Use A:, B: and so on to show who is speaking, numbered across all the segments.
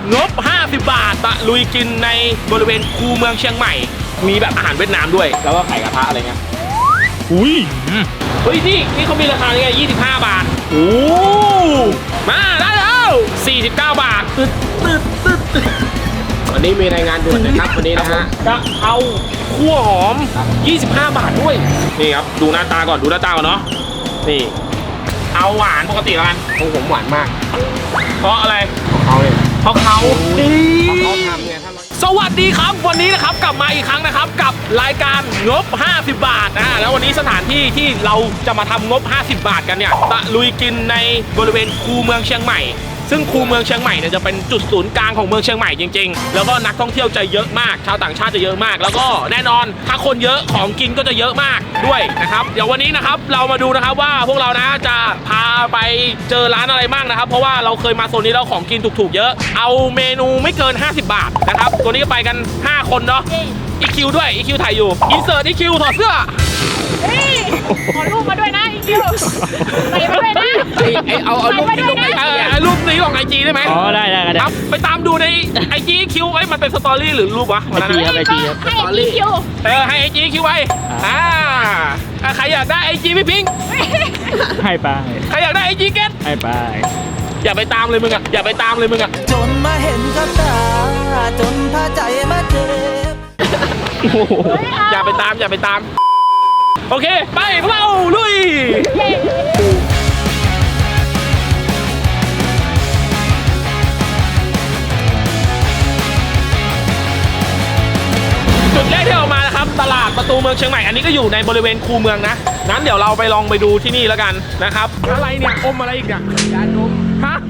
A: งบ50 บาทตะลุยกินในบริเวณคูเมืองเชียงใหม่มีแบบอาหารเวียดนามด้วยแล้วก็ไข่กระทะอะไรเงี้ยอุ้ยเฮ้ยนี่เขามีราคาไง25 บาทโอ้มาได้แล้ว49 บาทตึ๊ด
B: วันนี้มีรายงานด่วนนะครับวันนี้นะฮะ
A: กะเพราคั่วหอม25 บาทด้วยนี่ครับดูหน้าตาก่อนเนาะนี่เอาหวานปกติแล้วกัน
B: ของผมหวานมาก
A: เพราะอะไร
B: ของเขาเนี่ย
A: เพราะเขา
B: ทำเนี่ยถ้า
A: สวัสดีครับวันนี้นะครับกลับมาอีกครั้งนะครับกับรายการงบ50 บาทแล้ววันนี้สถานที่ที่เราจะมาทำงบ50 บาทกันเนี่ยตะลุยกินในบริเวณคูเมืองเชียงใหม่ซึ่งคูเมืองเชียงใหม่เนี่ยจะเป็นจุดศูนย์กลางของเมืองเชียงใหม่จริงๆแล้วก็นักท่องเที่ยวจะเยอะมากชาวต่างชาติจะเยอะมากแล้วก็แน่นอนถ้าคนเยอะของกินก็จะเยอะมากด้วยนะครับเดี๋ยววันนี้นะครับเรามาดูนะครับว่าพวกเรานะจะพาไปเจอร้านอะไรบ้างนะครับเพราะว่าเราเคยมาโซนนี้แล้วของกินถูกๆเยอะเอาเมนูไม่เกิน50 บาทนะครับตัวนี้ก็ไปกัน5 คนเนาะEQ ด้วย EQ ถ่ายอยู่อินเสิร์ต EQ ถอดเสื้อ
C: ขอรูปมาด้วยนะอีคิวใส่มาด้วยนะ
B: เอารูปที่ลง
A: รูปนี้ลงIGได้ไหม
D: อ๋อได้
A: ครับไปตามดูใน IG EQ ไว้มันเป็นสตอรี่หรือรูปวะ
D: ไอจีครับ
C: ให้อีคิว
A: ให้ IG EQ ไว้ใครอยากได้ IG พี่พิงค์
D: ให้ไป
A: ใครอยากได้ IG เกต
D: ให้ไป
A: อย่าไปตามเลยมึงอ่ะ
E: จนมาเห็นกับตาจนพาใจมาเจ็บ
A: อย่าไปตามโอเคไปพวกเราลุยจุดแรกที่ออกมานะครับตลาดประตูเมืองเชียงใหม่อันนี้ก็อยู่ในบริเวณคูเมืองนะงั้นเดี๋ยวเราไปลองไปดูที่นี่แล้วกันนะครับอะไรเนี่ยอมอะไรอีกเนี่ย
B: ยาดม
A: ฮะ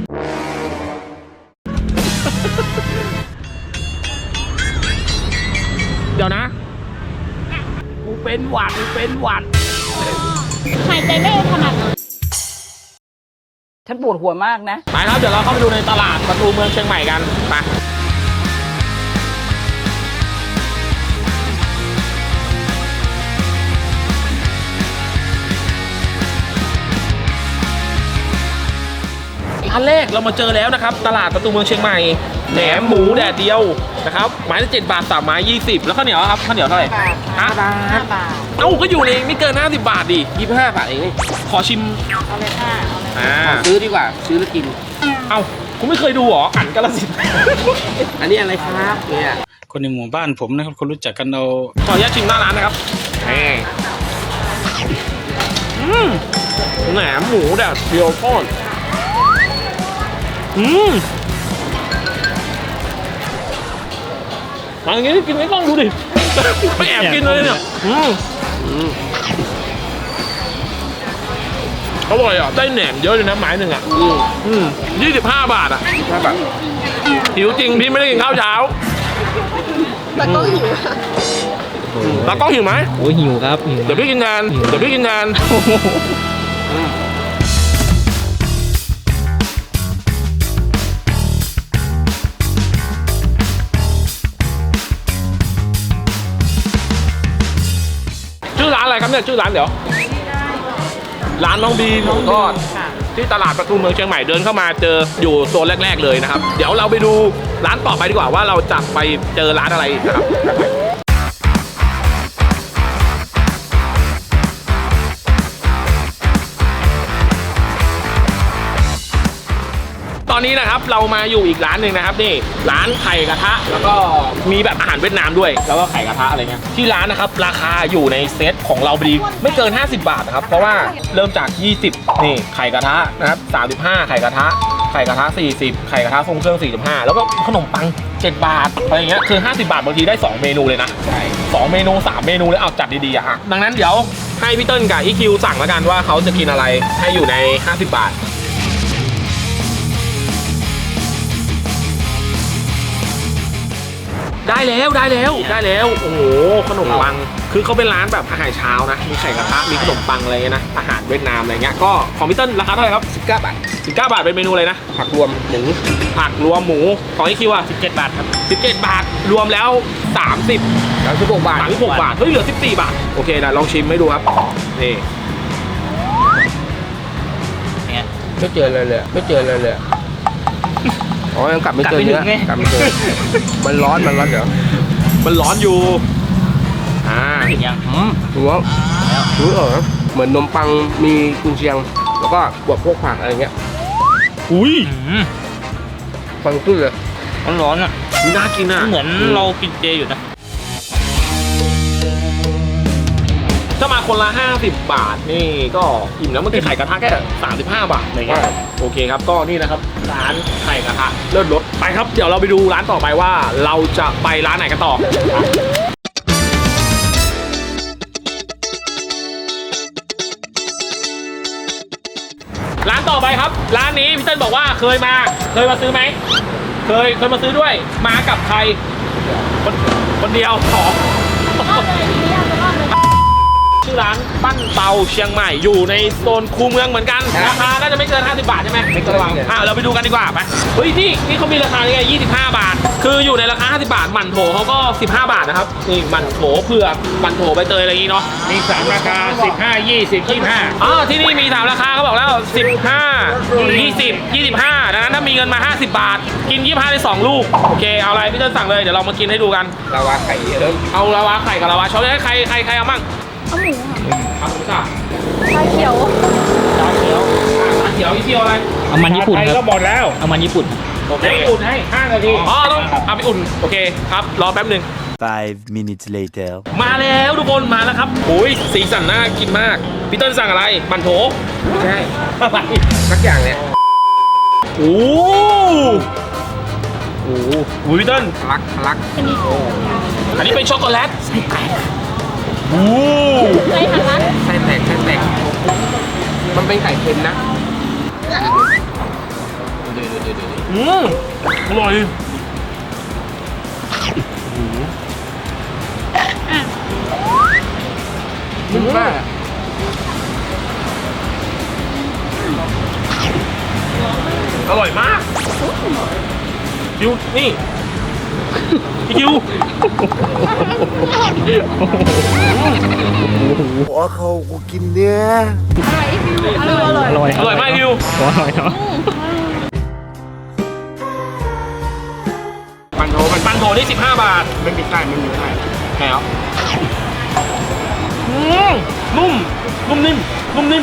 A: เดี๋ยวนะกูเป็นหวัด
C: หายใจไม่ถนัด
E: ฉันปวดหัวมากนะ
A: ไปครับเดี๋ยวเราเข้าไปดูในตลาดประตูเมืองเชียงใหม่กันไปร้านแรกเรามาเจอแล้วนะครับตลาดประตูเมืองเชียงใหม่แหนมหมูแดดเดียวนะครับไม้ละ7 บาท3 ไม้ 20แล้วข้าวเหนียวครับข้าวเหนียวเท่าไหร่
C: 5 บาท
A: เอ้าก็อยู่ในไม่เกิน50 บาทดิ
B: 25 บาทเอง
A: ขอชิม
C: เอาเลยค่ะ
B: ซื้อดีกว่าซื้อแล้วกิน
A: เอ้าคุณไม่เคยดูหรออั๋นกาฬสินธุ์
B: อันนี้อะไรครับเนี่ย
D: คนในหมู่บ้านผมนะครับคนรู้จักกันเรา
A: ขออนุญาตชิมหน้าร้านนะครับแหนมหมูแดดเดียวทอดมาอย่างงี้กินไม่ต้องดูดิไม่แอบกินเลยเนี่ยอร่อยอ่ะได้แหนมเยอะเลยนะไม้หนึ่งอ่ะ25 บาทอ่ะ5 บาทหิวจริงพี่ไม่ได้กินข้าวเช้า
C: แต่ก็หิว
A: ตากล้องหิวไหม
D: โอ้หิวครับ
A: เดี๋ยวพี่กินแทนชื่อร้านอะไรครับเนี่ยชื่อร้านเดี๋ยวร้านน้องบีหมูทอดที่ตลาดประตูเมืองเชียงใหม่เดินเข้ามาเจออยู่โซนแรกๆเลยนะครับเดี๋ยวเราไปดูร้านต่อไปดีกว่าว่าเราจะไปเจอร้านอะไรนะครับตอนนี้นะครับเรามาอยู่อีกร้านหนึ่งนะครับนี่ร้านไข่กระทะแล้วก็มีแบบอาหารเวียดนามด้วยแล้วก็ไข่กระทะอะไรเงี้ยที่ร้านนะครับราคาอยู่ในเซตของเราพอดีไม่เกิน50 บาทนะครับเพราะว่าเริ่มจาก20นี่ไข่กระทะนะครับ35ไข่กระทะ40ไข่กระทะทรงเครื่อง45แล้วก็ขนมปัง7 บาทอะไรเงี้ยคือ50 บาทบางทีได้2 เมนูเลยนะใช่2 เมนู3 เมนูเลยเอาจัดดีๆอ่ะดังนั้นเดี๋ยวให้พี่เติ้ลกับEQสั่งแล้วกันว่าเขาจะกินอะไรให้อยู่ใน50 บาทได้แล้วโอ้โหขนมปังคือเขาเป็นร้านแบบอาหารเช้านะมีไข่กระทะมีขนมปังอะไรเงี้ยนะอาหารเวียดนามอะไรเงี้ยก็ของพี่เติ้ลราคาเท่าไหร่ครับ
B: 19 บาท
A: เป็นเมนูอะไรนะ
B: ผักรวมหมู
A: ของEQอ่ะ17 บาทครับ17 บาทรวมแล้ว36 บาทเฮ้ยเหลือ14 บาทโอเคนะลองชิมให้ดูครับนี่
B: ไม่เจอเลยอ๋อยังกลับไม่เจอเนื้อกลับไม่เจอมันร้อนเดี๋ยว
A: มันร้อนอยู่
D: ยัง
B: รู้ว่าเหมือนนมปังมีกุนเชียง แล้วก็บวกพวกผักอะไรเงี้ย
A: อุ้ย
B: ฟังขึ้นเลย
D: ร้อนอ่ะ
A: น่ากินอ่ะ
D: เหมือนเรากินเจอยู่นะ
A: ถ้ามาคนละ50 บาทนี่ก็อิ่มแล้วมันคือไข่กระทะแค่35 บาทอะไรเงี้ยโอเคครับก็นี่นะครับร้านไข่กระทะเลิศรสไปครับเดี๋ยวเราไปดูร้านต่อไปว่าเราจะไปร้านไหนกันต่อร้านต่อไปครับร้านนี้พี่เติ้ลบอกว่าเคยมาซื้อไหมเคยมาซื้อด้วยมากับใครคนเดียวสองชื่อร้านปั้นเตาเชียงใหม่อยู่ในโซนคูเมืองเหมือนกันราคาน่าจะไม่เกิน50 บาทใช่ไหมไม่เกินเราไปดูกันดีกว่าไปเฮ้ยนี่เขามีราคาไง25 บาทคืออยู่ในราคา50 บาทหมั่นโถเขาก็15 บาทนะครับนี่หมั่นโถเผือกหมั่นโถใบเตยอะไรอย่างงี้เนาะ
D: มี3ราคา15 20 25
A: อ๋อที่นี่มี3ราคาเขาบอกแล้ว15 20 25ดังนั้นถ้ามีเงินมา50 บาทกิน25ได้2 ลูกโอเคเอาอะไรพี่เติ้ลสั่งเลยเดี๋ยวเรามากินให้ดูกัน
B: ลาวาไข่เริ่ม
A: เอาลาวาไข่กับลาวาช็อกโกแลตใครเอามั่ง
C: เอาหมูค่ะ
A: เอาหมูสับ
C: ชาเขียว
A: ชาเขียวนี่เที่ยวอะไร
D: เอามันญี่ปุ่น
A: ไทย
D: ค
A: ก็
D: รับ
A: หมดแล้ว
D: เอามันญี่ปุ่น
A: โอเคอุ่นให้5 นาทีอ๋อต้องเอาไปอุ่นโอเคครับรอแป๊บหนึ่ง
E: 5 minutes later
A: มาแล้วทุกคนมาแล้วครับโอ้ยสีสันน่ากินมากพี่เติ้ลสั่งอะไรมันโถ
B: ไม่ใช่
A: อะไร
B: สักอย่างเนี่ย
A: โอ้โหพี่เติ้ล
B: ทะลัก
A: อันนี้เป็นช็อกโกแลตโอ้
C: ไข่หันลัด
B: ไส้แตกมันเป็นไข่เค็มนะ
A: อร่อย
B: นุ่มมาก
A: อร่อยมากคิวนี่พี่คิว
E: หัวเขากูกินเนื้อ
C: อร่อย
A: อร่อยมากคิว
D: อร่อยเนาะ
A: ปันโถนี่15 บาท
B: ไม่มีไส้ไม่มีไส้
A: แล้วนุ่มนิ่ม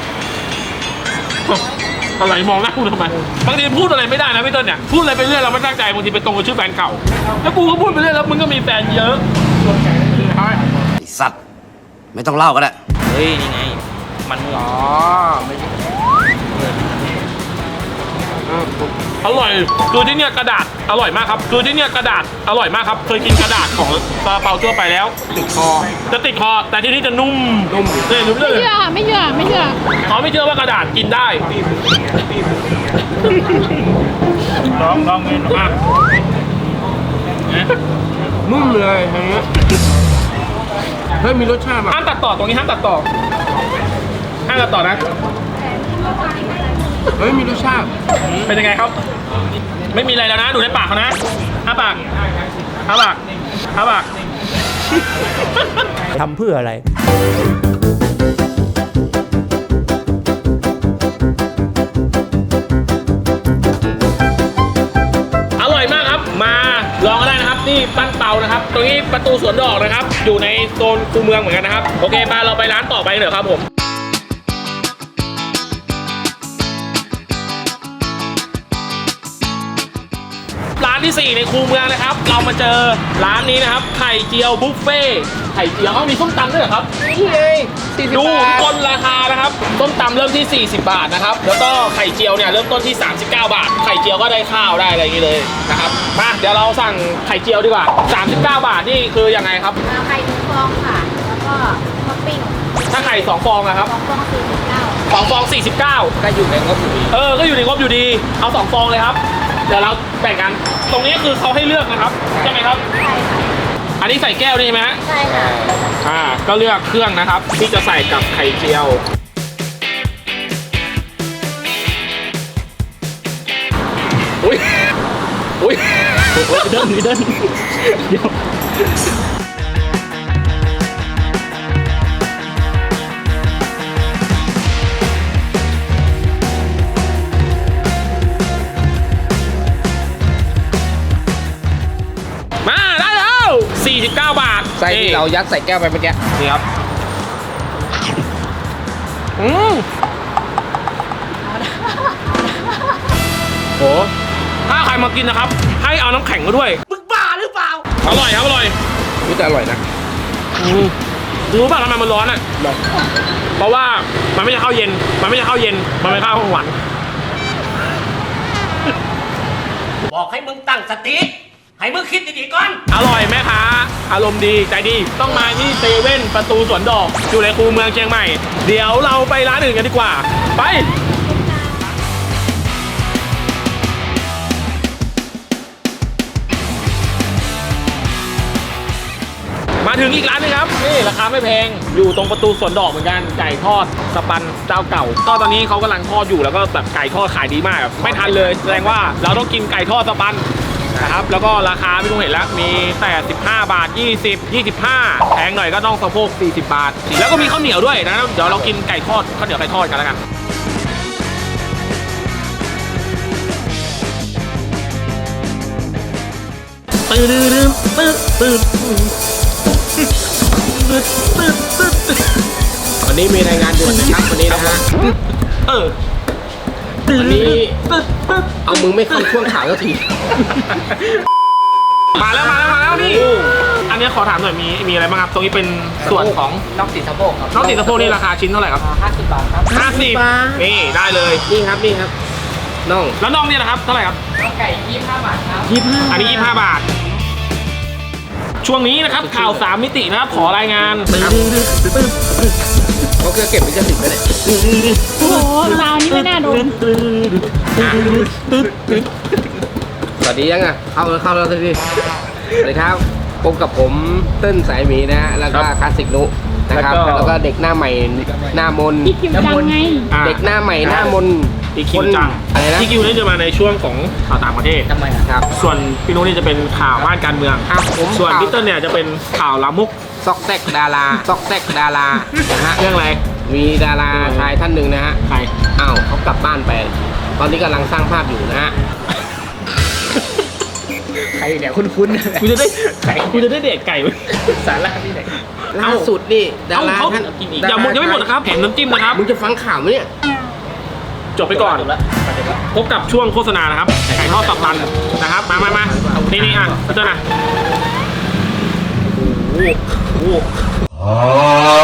A: อะไรมองหน้ากูทำไมบางทีพูดอะไรไม่ได้นะพี่เติ้ลเนี่ยพูดอะไรไปเรื่อยเราไม่ตั้งใจบางทีไปตรงกับชื่อแฟนเก่าแล้วกูก็พูดไปเรื่อยแล้วมึงก็มีแฟนเยอะ
F: ไอ้สัตว์ ไม่ต้องเล่าก็ได้
D: เฮ้ยนี่ไงมันอ๋อ
B: ไม่ใช่
A: อร่อยคือที่เนี่ยกระดาษอร่อยมากครับคือที่เนี่ยกระดาษอร่อยมากครับเคยกินกระดาษของซาลาเปาทั่วไปแล้ว
B: ติดคอ
A: จะติดคอแต่ที่นี่จะนุ่ม
B: นุ่ม
A: เนี่ยรู้เลย
C: ไม่เชื่อค่ะไม่เชื่อ
A: เขาไม่เชื่อว่ากระดาษกินได้ลองเงินมาก
B: นุ่มเลยอย่างเงี้ยเฮ้ยมีรสชาติแบบ
A: ห้ามตัดต่อตรงนี้ห้ามตัดต่อนะ
B: เฮ้ยมีรสชาติ
A: เป็นยังไงครับ ไม่มีอะไรแล้วนะดูในปากเขานะอ้าปาก
E: ทำเพื่ออะไร
A: อร่อยมากครับมาลองก็ได้นะครับนี่ปั้นเตานะครับตรงนี้ประตูสวนดอกนะครับอยู่ในโซนคูเมืองเหมือนกันนะครับโอเคมาเราไปร้านต่อไปเถอะครับผมร้านที่ 4 ในคูเมืองนะครับเรามาเจอร้านนี้นะครับไข่เจียวบุฟเฟ่ไข่เจียวมีส้มตำด้วยเหรอครับ
B: นี่ไง40
A: ดู
B: บาท
A: คนราคานะครับส้มตำเริ่มที่ 40 บาทนะครับแล้วก็ไข่เจียวเนี่ยเริ่มต้นที่ 39 บาทไข่เจียวก็ได้ข้าวได้อะไรอย่างนี้เลยนะครับมาเดี๋ยวเราสั่งไข่เจียวดีกว่า39 บาทนี่คือยังไงครับ
C: ไข่1 ฟองค่ะ แล้วก็ท็อปปิ้ง
A: ถ้าไข่2 ฟองนะครับ
C: 2 ฟอง49
A: 2 ฟอง 49
B: ก็อยู่ในงบอยู่ดี
A: ก็อยู่ในงบอยู่ดีเอา2 ฟองเลยครับเดี๋ยวเราแบ่งกันตรงนี้คือเขาให้เลือกนะครับใช่ไหมครับ
C: ใช่ค่ะ
A: อันนี้ใส่แก้วนี่ใช่ไหมฮะ
C: ใช่ค่ะ
A: ก็เลือกเครื่องนะครับ ที่จะใส่กับไข่เจียวอุ้ย
D: เดินเดี๋ยว
A: 49 บาท
B: ไส้ที่เรายัดใส่แก้วไปเมื่อกี้
A: นี่ครับโหถ้าใครมากินนะครับ ให้เอาน้ำแข็งมาด้วยมึงบ้าหรือเปล่าอร่อยครับอร่อย
B: นี่แต่อร่อยนะ
A: รู้ป่ะทำไมมันร้อนอ่ะเพราะว่ามันไม่ใช่ข้าวเย็นมันไม่ใช่ข้าวเย็นมันเป็นข้าวของหวาน
F: บอกให้มึงตั้งสติ ให้มึงคิดดีๆก่อน
A: อร่อยแม่ค้าอารมณ์ดีใจดีต้องมาที่เซเว่นประตูสวนดอกอยู่ในคูเมืองเชียงใหม่เดี๋ยวเราไปร้านอื่นกันดีกว่าไปมาถึงอีกร้านนึงครับนี่ราคาไม่แพงอยู่ตรงประตูสวนดอกเหมือนกันไก่ทอดสปันเจ้าเก่าก็ตอนนี้เขากำลังทอดอยู่แล้วก็แบบไก่ทอดขายดีมากไม่ทันเลยแสดงว่าเราต้องกินไก่ทอดสปันนะครับแล้วก็ราคาไม่ต้องเห็นแล้วมีแต่15 บาท 20 25แพงหน่อยก็ต้องสะโพก40 บาทแล้วก็มีข้าวเหนียวด้วยนะเดี๋ยวเรากินไก่ทอดข้าวเหนียวไก่ทอดกันแล้วกัน
B: วันนี้มีรายงานด่วนนะครับวันนี้นะฮะ วันนี้เอามึงไม่เข้าช่วงข่าวสักที
A: มาแล้วนี่อันนี้ขอถามหน่อยมีอะไรบ้างครับตรงนี้เป็นส่วนของ
B: นอกติดสะโพกครับ
A: น้องติดสะโพกนี่ราคาชิ้นเท่าไหร่ครับ
B: 50 บาทครับ
A: 50นี่ได้เลย
B: นี่ครับน่อง
A: แล้วน้องเนี่ยนะครับเท่าไหร่ครับ
B: ไก่25 บาทครับ
A: อันนี้25 บาท ช่วงนี้นะครับข่าว3มิตินะครับขอรายงาน
B: เขาเก็บเป็นกระสิบไปเลย
C: โอ้โหราวนี้ไม่น่าโดน
B: สวัสดียังอ่ะเข้าแล้วสิสวัสดีครับพบกับผมเติ้ลสายหมีนะฮะแล้วก็คลาสสิกนุนะครับแล้วก็เด็กหน้าใหม่หน้ามน
C: พี่คิวจังไง
B: เด็กหน้าใหม่หน้ามน
A: อีคิวจัง
B: อะไรนะ
A: อีคิวนี่จะมาในช่วงของข่าวต่างประเทศ
B: ทำไมครับ
A: ส่วนพี่นุ้ยนี่จะเป็นข่าวบ้านการเมือง
B: ผม
A: ส่วนพี่เติ้ลเนี่ยจะเป็นข่าวลามก
B: ซอกแซกดารานะฮะ
A: เรื่องอะไร
B: มีดาราชายท่านหนึ่งนะฮะ
A: ใคร
B: อ้าวเขากลับบ้านไป ตอนนี้กำลังสร้างภาพอยู่นะฮะ ใครเนี่ยคุ้น
A: กูจะได้เด็กไก่
B: สาระที่ไหนล่าสุดนี่ดารา
A: เขา
B: ท่าน
A: อย่าหมดยังไม่หมดนะครับเห็นน้ำจิ้มนะครับ
B: มึงจะฟังข่าวไหมเนี่ย
A: จบไปก่อนพบกับช่วงโฆษณานะครับไก่ทอดตับตันนะครับมานี่อ่ะพี่เติ้ลนะโอ้โห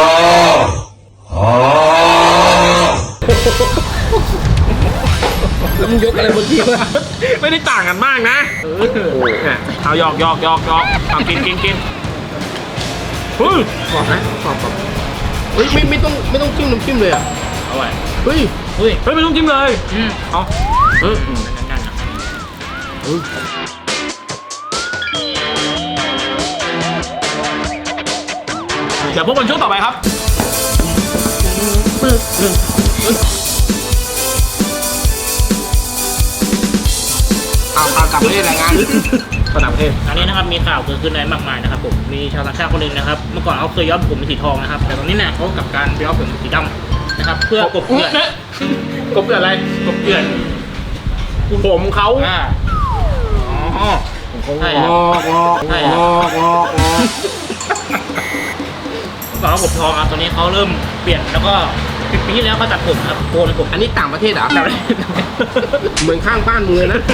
B: แล้วมึงยกอะไรบนที่วะ
A: ไม่ได้ต่างกันมากนะเนี่ยเอาหยอกเอากินเฮ้ย
B: กรอบนะกรอบเฮ้ยไม่ต้องจิ้มน้ำจิ้มเลยอ่ะ
A: อร่อย
B: เฮ้ย
A: ไม่ต้องจิ้มเลยเอาเดี๋ยวพบกันช่วงต่อไปครับ
B: เอากลับไปรายงาน
A: ต่างประเทศ
D: อันนี้นะครับมีข่าวเกิดขึ้นในมากมายนะครับผมมีชาวต่างชาติคนหนึ่งนะครับเมื่อก่อนเขาเคยย้อมผมเป็นสีทองนะครับแต่ตอนนี้เนี่ยเขากลับการย้อมผมเป็นสีดำนะครับเพื่อกบเกลื่อน
A: กบเกลื่อนอะไร
D: กบเกลื่อน
A: ผมเขา
D: อ๋อใช่ครับใช่ครับก่อนเขาผมทองอ่ะตอนนี้เขาเริ่มเปลี่ยนแล้วก็ปีที่แล้วเขาตัดผมครับโกนผม
B: อันนี้ต่างประเทศเหรอเหมือนข้างบ้านมึงเลยนะ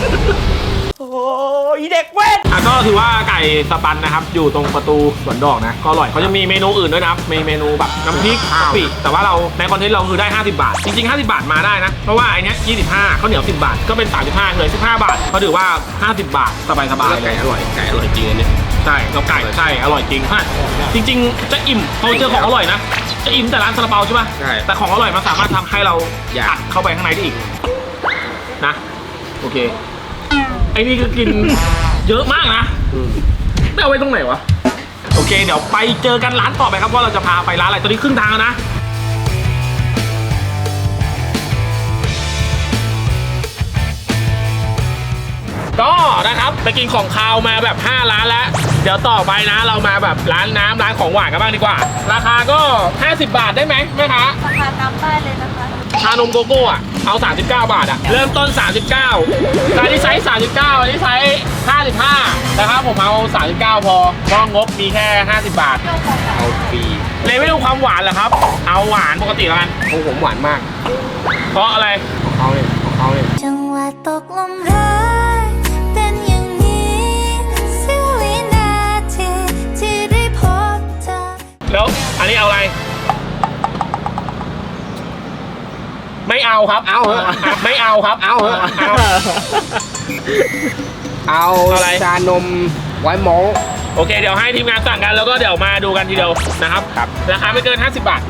A: ก็ถือว่าไก่สปันนะครับอยู่ตรงประตูสวนดอกนะก็อร่อยเขาจะมีเมนูอื่นด้วยนะครับมีเมนูแบบน้ำพริกกะปิแต่ว่าเราในคอนเทนต์เราคือได้50 บาทจริงๆ50 บาทมาได้นะเพราะว่าไอ้เนี้ย25ข้าวเหนียว10 บาทก็เป็น35เลย15 บาทเขาถือว่า50 บาทสบายๆ
B: ไก่อร่อยจริงอันนี้
A: ใช่เราไก่ใช่อร่อยจริงฮะจริงๆจะอิ่มพอเจอของอร่อยนะจะอิ่มแต่ร้านซาลาเปาใช่ป่ะ
B: ใช่
A: แต่ของอร่อยมันสามารถทำให้เรา
B: อยาก
A: อัดเข้าไปข้างในได้อีกนะโอเคไอ้นี่ก็กิน เยอะมากนะไม่เอาไว้ตรงไหนวะโอเคเดี๋ยวไปเจอกันร้านต่อไปครับว่าเราจะพาไปร้านอะไรตอนนี้ครึ่งทางแล้วนะก็นะครับไปกินของคาวมาแบบ5 ร้านแล้วเดี๋ยวต่อไปนะเรามาแบบร้านน้ำร้านของหวานกันบ้างดีกว่าราคาก็50 บาทได้ไหมแม่ค้า
G: ราคาตามป้ายเลยนะคะ
A: ชานมโกโก้อะเอา39 บาทอะเริ่มต้น 39อันนี้ไซส์39อันนี้ไซส์55นะครับผมเอา39พอเพราะงบมีแค่50 บาท
B: เอาฟรี
A: เลยไม่รู้ความหวานเหรอครับ เอาหวานปกติแล้วกัน
B: ของผมหวานมาก
A: เพราะอะไร
B: ของเขาเนี่ยของเขาเนี่ย
G: จังหวะตกลมรักเป็นอย่างนี้เสี้ยววินาทีที่ได้พบเธอ
A: แล้วอันนี้เอาอะไร ไม่เอาครับ
B: เอาเหอะ
A: ไม่เอาครับ
B: เอาเหอะ
A: เอา
B: เอา
A: อะไร
B: ชานมไว้มอง
A: โอเคเดี๋ยวให้ทีมงานสั่งกันแล้วก็เดี๋ยวมาดูกันทีเดียวนะครับราคาไม่เกิน50 บาท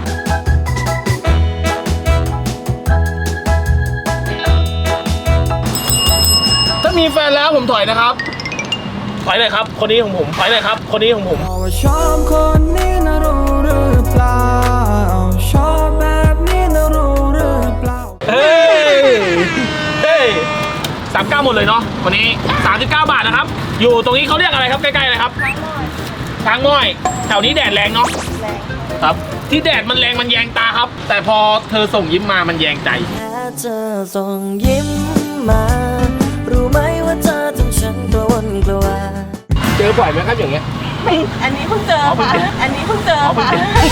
A: ถ้ามีแฟนแล้วผมถอยนะครับถอยเลยครับ คนนี้ของผมถอยเลยครับ คนนี้ของผม
E: ว่าชอบคนนี้นะรู้หรือเปล่าชอบแบบนี้นะรู้หรือเปล่า
A: เฮ้ย39หมดเลยเนาะวันนี้39 บาทนะครับ อยู่ตรงนี้เขาเรียกอะไรครับใกล้ๆเลยครับช้างม้อยแถวนี้แดดแรงเนาะครับ ที่แดดมันแรงมันแยงตาครับ แต่พอเธอส่งยิ้มมามันแยงใจ
E: แค่เธอส่งยิ้มมา รู้ไหมว่าเธอทำฉันกระวนกระวาย
B: เจอบ่อยไหมครับอย่างเงี้ย
C: อันนี้เพิ่งเจอค่ะ อันนี้เพิ่งเจอค่ะ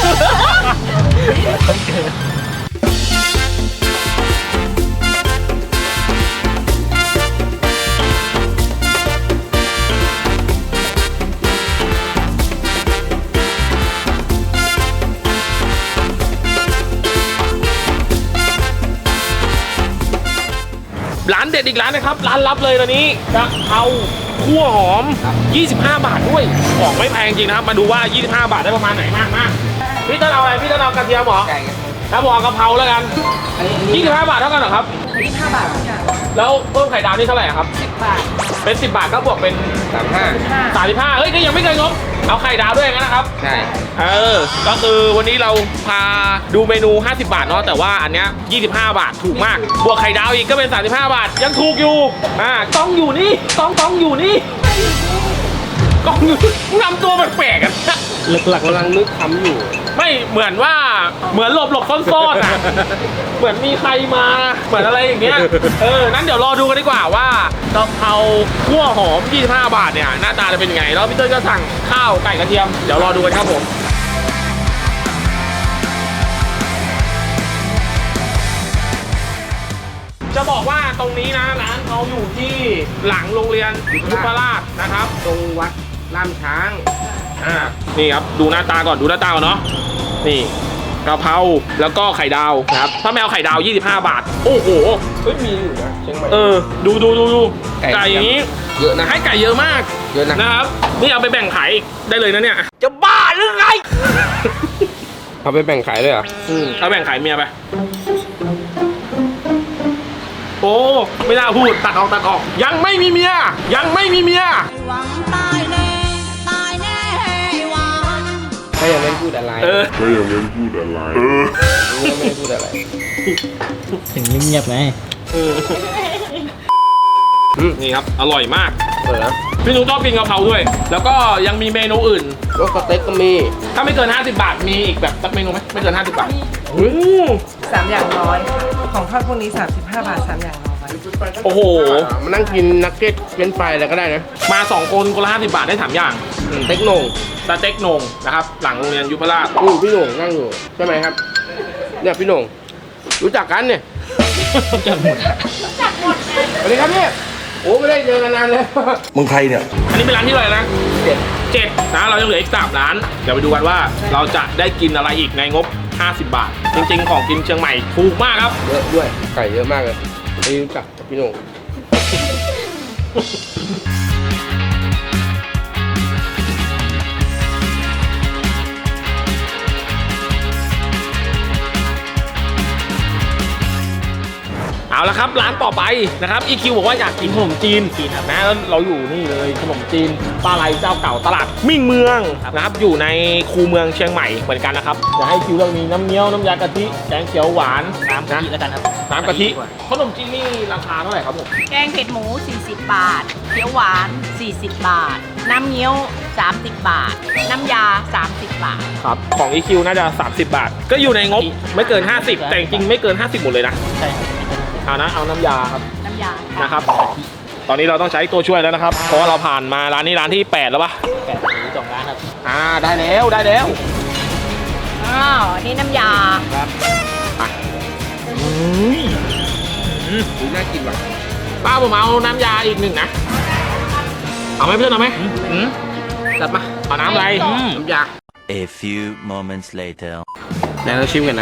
A: ร้านเด็ดอีกร้านนะครับ ร้านลับเลยตอนนี้จะเอาคั่วหอม 25 บาทด้วยของไม่แพงจริงนะครับ มาดูว่า 25 บาทได้ประมาณไหนมากพี่ต้นเอาอะไรพี่ต้นเอากระเทียมเหรอ
B: ไก่ไง
A: แล้วผมเอากะเพราแล้วกัน
B: อันนี้
A: 25 บาทเท่ากันเหรอครับ
C: 25 บาทค่ะ
A: แล้วเพิ่มไข่ดาวนี่เท่าไหร่ครับ
C: 10 บาท
A: เป็น 10 บาทก็บวกเป็น
B: 35
A: 35เฮ้ยก็ยังไม่เกินงบเอาไข่ดาวด้วยงั้นนะครับ
B: ใช่
A: ก็คือวันนี้เราพาดูเมนู 50 บาทเนาะแต่ว่าอันเนี้ย25 บาทถูกมาก บวกไข่ดาวอีกก็เป็น 35 บาท ยังถูกอยู่ต้องอยู่นี่ต้องอยู่นี่กล้องอยู่นำตัวแปลกๆกัน
B: หลักๆกำลังนึกคำอยู่
A: ไม่เหมือนว่าเหมือนหลบซ่อนๆนะเหมือนมีใครมาเหมือนอะไรอย่างเงี้ยนั้นเดี๋ยวรอดูกันดีกว่าว่ากะเพราคั่วหอม 25 บาทเนี่ยหน้าตาจะเป็นยังไงแล้วพี่เต้ยก็สั่งข้าวไก่กระเทียมเดี๋ยวรอดูกันครับผม จะบอกว่าตรงนี้นะร้านเขาอยู่ที่หลังโรงเรียนยุพราชนะครับ
B: ตรงวัดล่ามช้าง
A: นี่ครับดูหน้าตาก่อนดูหน้าตาก่อนเนาะนี่กะเพราแล้วก็ไข่ดาวนะครับถ้าไม่เอาไข่ดาว 25 บาทโอ้โห
B: เฮ้ยมีอยู่นะเชียงใหม่
A: ดู
B: ไก่
A: ไก่อย่างนี้
B: เยอะนะ
A: ให้ไก่เยอะมาก
B: เยอะนะ
A: นะครับนี่เอาไปแบ่งขายอีกได้เลยนะเนี่ยจะบ้าหรือไง
B: เอาไปแบ่งขายเลยเหรอ
A: เอาแบ่งขายเมียไปโอ้ไม่น่าพูดตัดออกยังไม่มีเมีย
G: หวังตายแน่ ตายแน่หวัง
B: ถ้ายังไม่พูดอะไรรู้ว่าไม่พูดอะไร
D: ถึงเงียบๆไง
A: นี่ครับอร่อยมาก
B: นะ
A: พี่นุ้งชอบกินกะเพราด้วย แล้วก็ยังมีเมนูอื่น
B: รสสเต็กก็มี
A: ถ้าไม่เกิน 50 บาทมีอีกแบบสักเมนูไหมไม่เกิน 50 บาท
H: 3 อย่างร้อยของทอดพวกนี้ 35 บาท 3 อย่างร้อย
A: โอ้โห
B: มานั่งกินนักเก็ตเป็นไฟอะไรก็ได้นะ
A: มา 2 คนคนละ 50 บาทได้ 3 อย่าง
B: เต็กโหน่ง
A: สเต็กโหนงนะครับ หลังโรงเรียนยุพราช
B: พี่โหน่งนั่งอยู่ใช่ไหมครับ เนี่ยพี่โหน่งรู้จักกันเนี่ย
D: จัดหมด
B: สวัสดีครับพี่โอ้ไม่ได้เจอกันนานเลย
I: มึงใครเนี่ย
A: อันนี้เป็นร้านที่อะไรนะ 7นะเรายังเหลืออีก3ร้าน เดี๋ยวไปดูกันว่าเราจะได้กินอะไรอีกในงบ 50 บาท จริงๆ ของกินเชียงใหม่ถูกมากครับ
B: เยอะด้วยไก่เยอะมากเลยไม่รู้จักกับพี่โหน่ง
A: เอาละครับร้านต่อไปนะครับ EQ บอกว่าอยากกินขนมจีนนะแล้วเราอยู่นี่เลยขนมจีนปลาไหลเจ้าเก่าตลาดมิ่งเมืองนะครับอยู่ในคูเมืองเชียงใหม่เหมือนกันนะครับอยากให้คิวเรามีน้ำเงี้ยวน้ำยากะทิแกงเขียวหวาน
D: น้ำกะทิแล้วกันครับ
A: น้ำกะทิขนมจีนนี่ราคาเท่าไหร่ครับผม
C: แกงเผ็ดหมู 40 บาท เขียวหวาน 40 บาท น้ำเงี้ยว 30 บาท น้ำยา 30 บาท
A: ครับของ EQ น่าจะ 30 บาท ก็อยู่ในงบไม่เกิน 50 แต่จริงๆไม่เกิน 50 หมดเลยนะ
D: ใช่ครับ
A: เอาน้ำยาครับ
C: น้ำยา
A: นะครับ ตอนนี้เราต้องใช้ตัวช่วยแล้วนะครับ เพราะว่าเราผ่านมาร้านนี้ร้านที่ 8 แล้วปะ
D: แปดหรือ2 ร้านครับ
A: ได้แล้วได้แล้ว
C: อ้าวนี่น้ำยา
B: น่ากินว่ะ
A: ป้าผมเอาน้ำยาอีกหนึ่งนะ เอาไหมเพื่อนเอาไหม
B: จัดมา
A: เอาน้ำอะไร
B: น้ำยา
I: A few moments later.
B: ไหนเราชิมกันนะ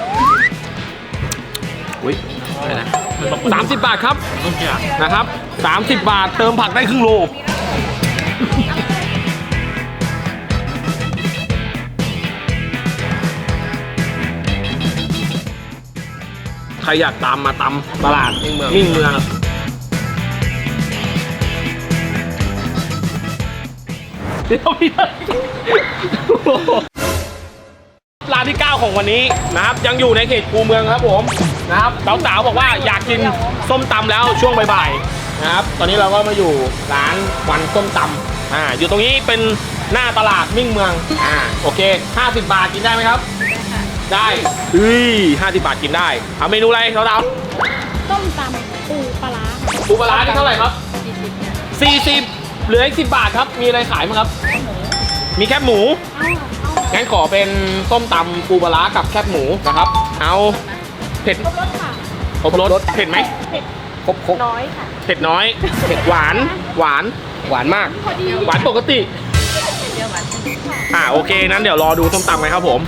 B: อุ้ยอะไรนะ
A: 30 บาทครับนะครับ 30 บาทเติมผักได้ครึ่งโล ใครอยากตามมาตำตลาดมิ่งเมืองเดี๋ยวพี่ร้านที่ 9 ของวันนี้นะครับยังอยู่ในเขตคูเมืองครับผมนะครับสาวๆบอกว่าอยากกินส้มตำแล้วช่วงบ่ายๆนะครับตอนนี้เราก็มาอยู่ร้านวันส้มตำอยู่ตรงนี้เป็นหน้าตลาดมิ่งเมืองโอเค50 บาทกินได้ไหมครับได้50 บาทกินได้เอาเมนูอะไรสาวๆ
C: ต้มตำปูปลาร้า
A: ปูปลาร้านี่เท่าไหร่ครับ 40เหลืออีก10 บาทครับมีอะไรขายมั้งครับมีแคบหมูงั้นขอเป็นต้มตำปูปลาร้ากับแคบหมูนะครับเอาเผ็ด
C: ครบรสค่ะ
A: ครบรสเผ็ดไหม
B: ครบ
C: น้อยค่ะ
A: เผ็ดน้อยเผ็ดหวาน
B: หวานมาก
C: พอดี
A: หวานปกติ
C: เดี๋ยวหวานค่ะ
A: โอเคนั้นเดี๋ยวรอดูส้มตำกันครับผม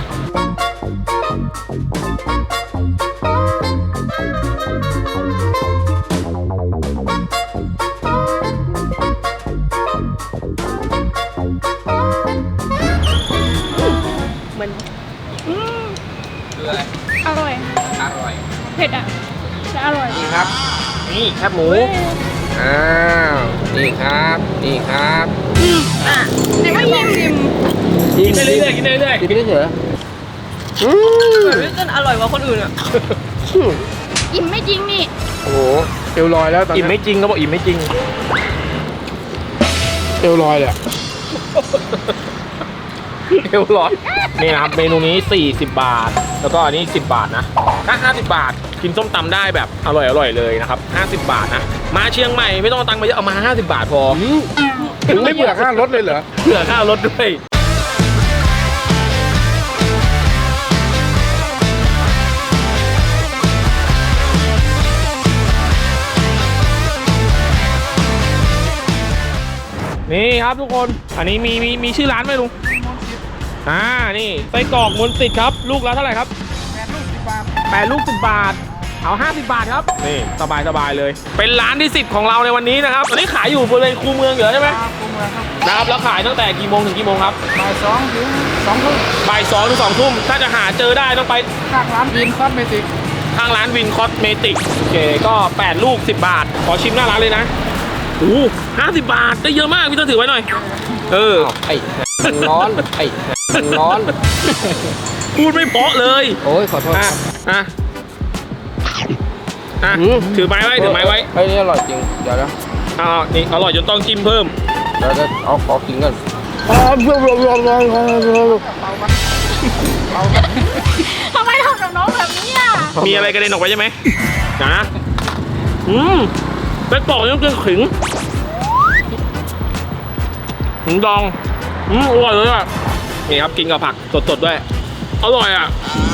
C: อร่อย
B: อร่อย
C: เผ็ดอ่ะแต่อร่อย
B: นี่ครับ
A: นี่แคบหมู
B: อ้าว นี่ครับ นี่ครับ
C: แต่ว่ายิ้ม
A: กินได้เรื่อยๆกินได้เรื่อย
B: กินไปได้เถอะ
H: จนอร่อยกว่าคนอื่นอ่ะ
C: อิ่มไม่จริงนี่
B: โอ้โหเอวลอยแล้วตอน
A: อิ่ม
B: นี้
A: ไม่จริงก็บอกอิ่มไม่จริง
B: เอวลอยเลยอะ
A: เอวร้อนนี่นะครับเมนูนี้40 บาท แล้วก็อันนี้10 บาทนะถ้า50 บาทกินส้มตำได้แบบอร่อยเลยนะครับ50 บาทนะมาเชียงใหม่ไม่ต้องเอาตังค์มาเยอะเอามา50 บาทพอ
B: ถึงไม่เบื่อค่ารถเลยเหรอ
A: เผื่อค่ารถด้วยนี่ครับทุกคนอันนี้มีชื่อร้านไหมลุงนี่ไส้กรอกมนต์สิทธิ์ครับลูกละเท่าไหร่ครับ8 ลูก 10 บาทเอา50 บาทครับนี่สบายเลยเป็นร้านที่10ของเราในวันนี้นะครับอันนี้ขายอยู่บริเวณคูเมืองเหรอใช่ไหมนะครับแล้วขายตั้งแต่กี่โมงถึงกี่โมงครับบ่าย2 ถึง 2 ทุ่มบ่าย2 ถึง 2 ทุ่มถ้าจะหาเจอได้ต้องไปข้างร้านวินคอสเมติกโอเคก็ 8 ลูก 10 บาทขอชิมหน้าร้านเลยนะ50 บาทได้เยอะมากพี่ต้องถือไว้หน่อย
B: ไอ้มันร้อนไอ้มันร้อน
A: พูดไม่เพราะเลย
B: โอ้ยขอโทษครับ
A: ถือไม้ไว้
B: เฮ้ยนี่อร่อยจริง เดี๋ยวนะ
A: นี่อร่อยจนต้องจิ้มเพิ่ม
B: เดี๋ยวจะเอาขอกินกัน
C: ทำไมทำกับน้องแบบนี้อ่ะ
A: มีอะไรกระเด็นออกไปใช่ไหมเป็นปอกยังเกินขิงดองอร่อยเลยอ่ะนี่ครับกินกับผักสดๆด้วยอร่อยอ่ะ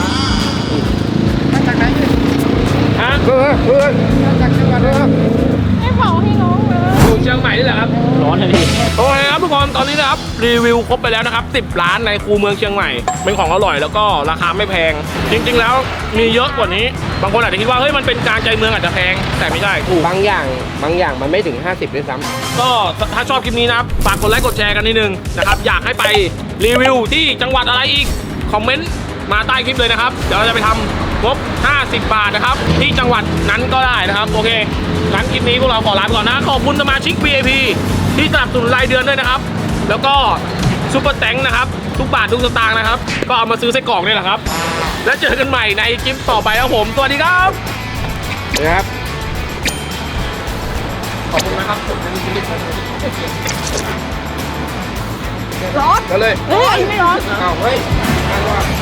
A: มาจากไหนฮะจากจังหวัดเลยครับ
C: ไม่เผาให้น้องเลย
A: อยู่เชียงใหม่นี่แหละครับร้อนเลยพี่โอเคครับทุกคนตอนนี้นะครับรีวิวครบไปแล้วนะครับ10 ร้านในคูเมืองเชียงใหม่เป็นของอร่อยแล้วก็ราคาไม่แพงจริงๆแล้วมีเยอะกว่านี้บางคนอาจจะคิดว่าเฮ้ยมันเป็นการใจเมืองอาจจะแพงแต่ไม่ใช่ถูก
B: บางอย่างมันไม่ถึง 50ด้วยซ้ำ
A: ก็ถ้าชอบคลิปนี้นะครับฝากกดไลค์กดแชร์กันนิดนึงนะครับอยากให้ไปรีวิวที่จังหวัดอะไรอีกคอมเมนต์มาใต้คลิปเลยนะครับเดี๋ยวเราจะไปทำงบ 50 บาทนะครับ ที่จังหวัดนั้นก็ได้นะครับ โอเคงั้นคลิปนี้พวกเราขอลาไปก่อนนะ ขอบคุณสมาชิก VIP ที่สนับสนุนรายเดือนด้วยนะครับ แล้วก็ซุปเปอร์แตงนะครับ ทุกบาททุกสตางค์นะครับ ก็เอามาซื้อไส้กรอกนี่แหละครับ แล้วเจอกันใหม่ในคลิปต่อไปครับผม สวัสดีครับ
B: นะครับ
A: ขอบคุณนะครับ
B: ก็เลย
C: เฮ้ยไม่ร้อน
B: เอาเฮ้ย